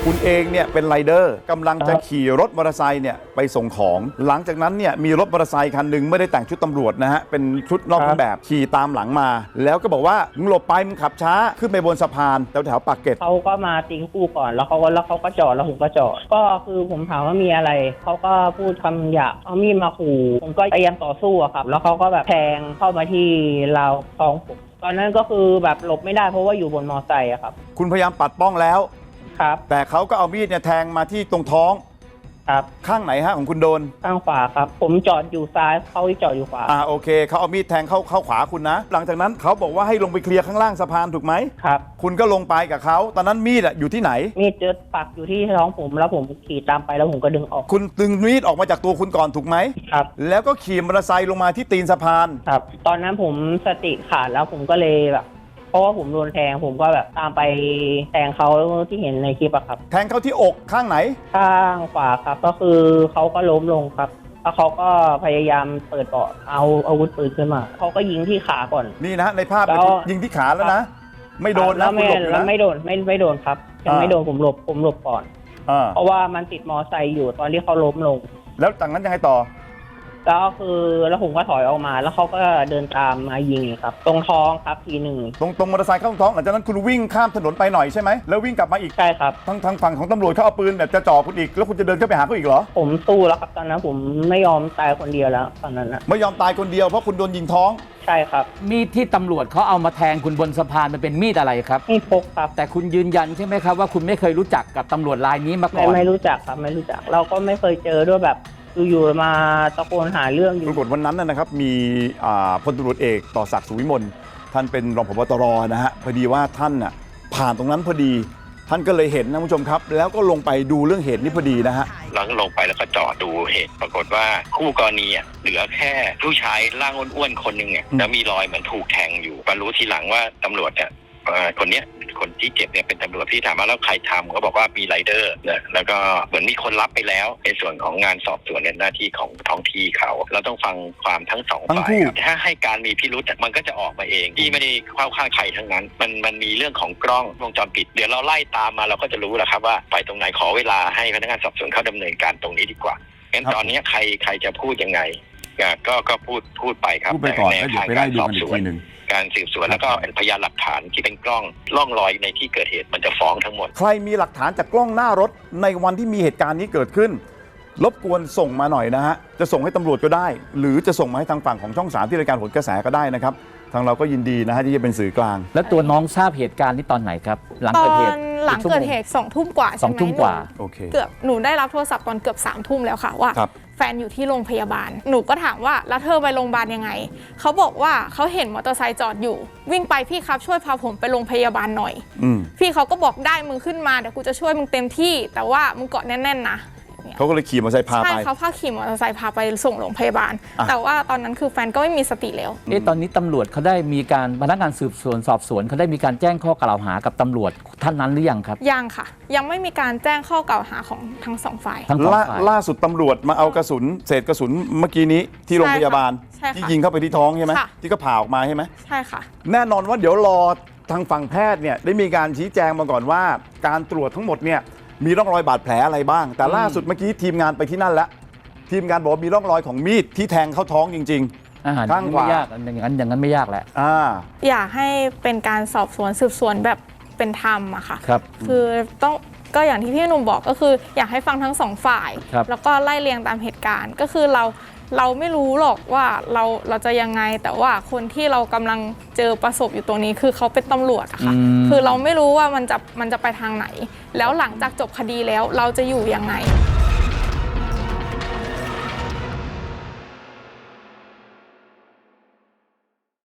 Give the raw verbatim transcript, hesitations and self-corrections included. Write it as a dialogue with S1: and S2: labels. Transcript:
S1: คุณเองเนี่ยเป็นไรเดอร์กำลังจะขี่รถมอเตอร์ไซค์เนี่ยไปส่งของหลังจากนั้นเนี่ยมีรถมอเตอร์ไซค์คันหนึ่งไม่ได้แต่งชุดตำรวจนะฮะเป็นชุดนอกเครื่องแบบขี่ตามหลังมาแล้วก็บอกว่ามึงหลบไปมึงขับช้าขึ้นไปบนสะพานแถวแถวปากเกร็ด
S2: เขาก็มาตีคู่ก่อนแล้วเขาก็แล้วเขาก็จอดแล้วผมก็จอดก็คือผมถามว่ามีอะไรเขาก็พูดคำหยาบเอามีดมาขู่ผมก็พยายามต่อสู้อะครับแล้วเขาก็แบบแทงเข้ามาที่ราวท้องผมตอนนั้นก็คือแบบหลบไม่ได้เพราะว่าอยู่บนมอไซค์อะครับ
S1: คุณพยายามปัดป้องแล้ว
S2: ครับ
S1: แต่เขาก็เอามีดเนี่ยแทงมาที่ตรงท้อง
S2: ครับ
S1: ข้างไหนฮะของคุณโดน
S2: ข้างขวาครับผมจอดอยู่ซ้ายเขาจอดอยู่ขวา
S1: อ่าโอเคเขาเอามีดแทงเข้าเข้าขวาคุณนะหลังจากนั้นเขาบอกว่าให้ลงไปเคลียร์ข้างล่างสะพานถูกไหม
S2: ครับ
S1: คุณก็ลงไปกับเขาตอนนั้นมีดอะอยู่ที่ไหน
S2: มีดเจอปักอยู่ที่ท้องผมแล้วผมขี่ตามไปแล้วผมก็ดึงออก
S1: คุณดึงมีดออกมาจากตัวคุณก่อนถูกไหม
S2: ครับ
S1: แล้วก็ขี่มอเตอร์ไซค์ลงมาที่ตีนสะพาน
S2: ครับตอนนั้นผมสติขาดแล้วผมก็เลยแบบเพราะว่าผมโดนแทงผมก็แบบตามไปแทงเขาที่เห็นในคลิปอะครับ
S1: แทงเข้าที่อกข้างไหน
S2: ข้างขวาครับก็คือเขาก็ล้มลงครับแล้วเขาก็พยายามเปิดเบาะเอาอาวุธปืนขึ้นมาเขาก็ยิงที่ขาก่อน
S1: นี่นะในภาพยิงที่ขาแล้วนะไม่โดน
S2: แล้
S1: ว
S2: ไม่แล้วไม่โดนไม่ไม่โดนครับยังไม่โดนผมหลบผมหลบก่อนเพราะว่ามันติดมอไซค์อยู่ตอนที่เขาล้มลง
S1: แล้วจากนั้นยังไงต่อ
S2: แล้วคือแล้วผมก็ถอยออกมาแล้วเขาก็เดินตามมายิงครับตรงท้องครับทีหนึ่ง
S1: ตรงตรงมอเตอร์ไซค์เข้าท้องหลังจากนั้นคุณวิ่งข้ามถนนไปหน่อยใช่ไหมแล้ววิ่งกลับมาอีก
S2: ใช่ครับ
S1: ทางทางฝั่งของตำรวจเขาเอาปืนแบบจะจ่อคุณอีกแล้วคุณจะเดินเข้าไปหาเขาอีกเหรอ
S2: ผมสู้แล้วครับตอนนั้นผมไม่ยอมตายคนเดียวแล้วตอนนั้นนะ
S1: ไม่ยอมตายคนเดียวเพราะคุณโดนยิงท้อง
S2: ใช่ครับ
S3: มีดที่ตำรวจเขาเอามาแทงคุณบนสะพานมันเป็นมีดอะไรครับ
S2: มีดพกครับ
S3: แต่คุณยืนยันใช่ไหมครับว่าคุณไม่เคยรู้จักกับตำรวจรายนี้มาก่อน
S2: ไม่ไม่รู้จักครับไม่รู้จักเราก็ไม่เคยเจอด้วยแบบอยู่ๆมาตะโกนหาเรื่องอยู่
S1: ปรากฏวันนั้นนะครับมีพลตำรวจเอกต่อศักดิ์สุวิมลท่านเป็นรองผบตรนะฮะพอดีว่าท่านน่ะผ่านตรงนั้นพอดีท่านก็เลยเห็นนะคุณผู้ชมครับแล้วก็ลงไปดูเรื่องเหตุนี้พอดีนะฮะ
S4: หลังลงไปแล้วก็จอดดูเหตุปรากฏว่าคู่กรณีเหลือแค่ผู้ชายร่างอ้วนๆคนหนึ่งเนี่ยแล้วมีรอยเหมือนถูกแทงอยู่มารู้ทีหลังว่าตำรวจเนี่ยคนเนี้ยคนที่เจ็บเนี่ยเป็นตำรวจที่ถามว่าแล้วใครทำเขาบอกว่ามีไรเดอร์นะแล้วก็เหมือนมีคนรับไปแล้วในส่วนของงานสอบสวนเนี่ยหน้าที่ของท้องที่เขาเราต้องฟังความทั้งสองฝ่ายถ้าให้การมีพิรุธมันก็จะออกมาเองที่ไม่ได้เข้าข้างใครทั้งนั้นมันมันมีเรื่องของกล้องวงจรปิดเดี๋ยวเราไล่ตามมาเราก็จะรู้แหละครับว่าไปตรงไหนขอเวลาให้พนักงานสอบสวนเขาดำเนินการตรงนี้ดีกว่างั้นตอนนี้ใครใครจะพูดยังไงก็ก็พูดพูดไปครับ
S1: พูดไปก่อนแล้วเดี๋ยวไปไล่ดูกันอีกทีนึง
S4: การสืบสวนแล้วก็พยานหลักฐานที่เป็นกล้องล่องรอยในที่เกิดเหตุมันจะฟ้องทั้งหมด
S1: ใครมีหลักฐานจากกล้องหน้ารถในวันที่มีเหตุการณ์นี้เกิดขึ้นรบกวนส่งมาหน่อยนะฮะจะส่งให้ตำรวจก็ได้หรือจะส่งมาให้ทางฝั่งของช่องสามที่รายการโหนกระแสก็ได้นะครับทางเราก็ยินดีนะฮะที่จะเป็นสื่อกลาง
S3: แล้วตัวน้องทราบเหตุการณ์นี้ตอนไหนครับหลังเกิดเหตุ
S5: หลังเกิดเหตุสองทุ่มกว่าใช่ไหม
S3: สองทุ่มกว่า
S1: โอเค
S5: เกือบหนูได้รับโทรศัพท์ตอนเกือบสามทุ่มแล้วค่ะว่าแฟนอยู่ที่โรงพยาบาลหนูก็ถามว่าแล้วเธอไปโรงพยาบาลยังไงเขาบอกว่าเขาเห็นมอเตอร์ไซค์จอดอยู่วิ่งไปพี่ครับช่วยพาผมไปโรงพยาบาลหน่อยพี่เขาก็บอกได้มึงขึ้นมาเดี๋ยวกูจะช่วยมึงเต็มที่แต่ว่ามึงเกาะแน่นๆนะ
S1: เขาก็เลยขี่มอเตอร์ไซค์พาไป
S5: ใช่เขาพาขี่มอเตอร์ไซค์พาไปส่งโรงพยาบาลแต่ว่าตอนนั้นคือแฟนก็ไม่มีสติแล้ว
S3: เอ๊ะตอนนี้ตำรวจเขาได้มีการพนักงานสืบสวนสอบสวนเขาได้มีการแจ้งข้อกล่าวหากับตำรวจท่านนั้นหรือยังครับ
S5: ยังค่ะยังไม่มีการแจ้งข้อกล่าวหาของทั้งสองฝ่าย
S1: ล่าสุดตำรวจมาเอากระสุนเศษกระสุนเมื่อกี้นี้ที่โรงพยาบาลที่ยิงเข้าไปที่ท้องใช่ไหมที่ก็ผ่าออกมาใช่ไหม
S5: ใช่ค่ะ
S1: แน่นอนว่าเดี๋ยวรอทางฝั่งแพทย์เนี่ยได้มีการชี้แจงมาก่อนว่าการตรวจทั้งหมดเนี่ยมีร่องรอยบาดแผลอะไรบ้างแต่ล่าสุดเมื่อกี้ทีมงานไปที่นั่นแล้วทีมงานบอกว่ามีร่องรอยของมีดที่แทงเข้าท้องจริง
S3: ๆข้างขวาอย่างนั้นอย่างนั้นไม่ยากแหละ
S1: อ่า
S5: อยากให้เป็นการสอบสวนสืบสวนแบบเป็นธรรมอะค่ะ
S3: ครับ
S5: คือต้องก็อย่างที่พี่หนุ่มบอกก็คืออยากให้ฟังทั้งสองฝ่ายแล้วก็ไล่เรียงตามเหตุการณ์ก็คือเราเราไม่รู้หรอกว่าเราเราจะยังไงแต่ว่าคนที่เรากำลังเจอประสบอยู่ตรงนี้คือเขาเป็นตำรวจอะค่ะคือเราไม่รู้ว่ามันจะมันจะไปทางไหนแล้วหลังจากจบคดีแล้วเราจะอยู่ยังไง